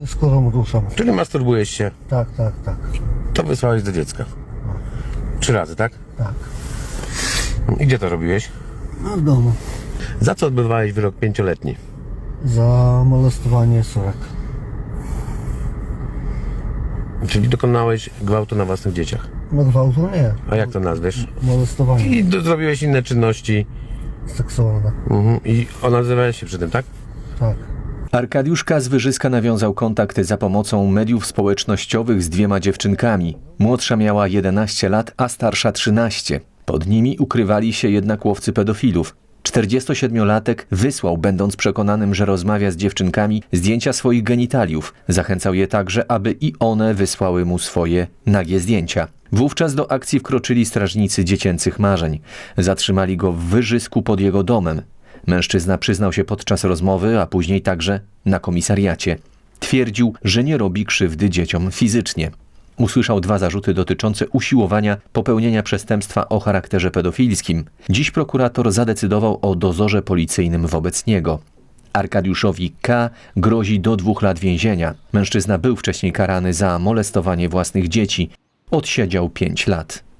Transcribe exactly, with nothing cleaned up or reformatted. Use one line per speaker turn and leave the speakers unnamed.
Skórą duszą.
Czyli masturbujesz się.
Tak, tak, tak.
To wysłałeś do dziecka. Trzy razy, tak?
Tak.
I gdzie to robiłeś?
A w domu.
Za co odbywałeś wyrok pięcioletni?
Za molestowanie córek.
Czyli dokonałeś gwałtu na własnych dzieciach.
No gwałtu nie.
A jak to nazwiesz?
Molestowanie
I do, zrobiłeś inne czynności.
seksualne.
Mhm. I nazywałeś się przy tym, tak?
Tak.
Arkadiusz K. z Wyżyska nawiązał kontakt za pomocą mediów społecznościowych z dwiema dziewczynkami. Młodsza miała jedenaście lat, a starsza trzynaście. Pod nimi ukrywali się jednak łowcy pedofilów. czterdziestosiedmiolatek wysłał, będąc przekonanym, że rozmawia z dziewczynkami, zdjęcia swoich genitaliów. Zachęcał je także, aby i one wysłały mu swoje nagie zdjęcia. Wówczas do akcji wkroczyli strażnicy dziecięcych marzeń. Zatrzymali go w Wyżysku pod jego domem. Mężczyzna przyznał się podczas rozmowy, a później także na komisariacie. Twierdził, że nie robi krzywdy dzieciom fizycznie. Usłyszał dwa zarzuty dotyczące usiłowania popełnienia przestępstwa o charakterze pedofilskim. Dziś prokurator zadecydował o dozorze policyjnym wobec niego. Arkadiuszowi K. grozi do dwóch lat więzienia. Mężczyzna był wcześniej karany za molestowanie własnych dzieci. Odsiedział pięć lat.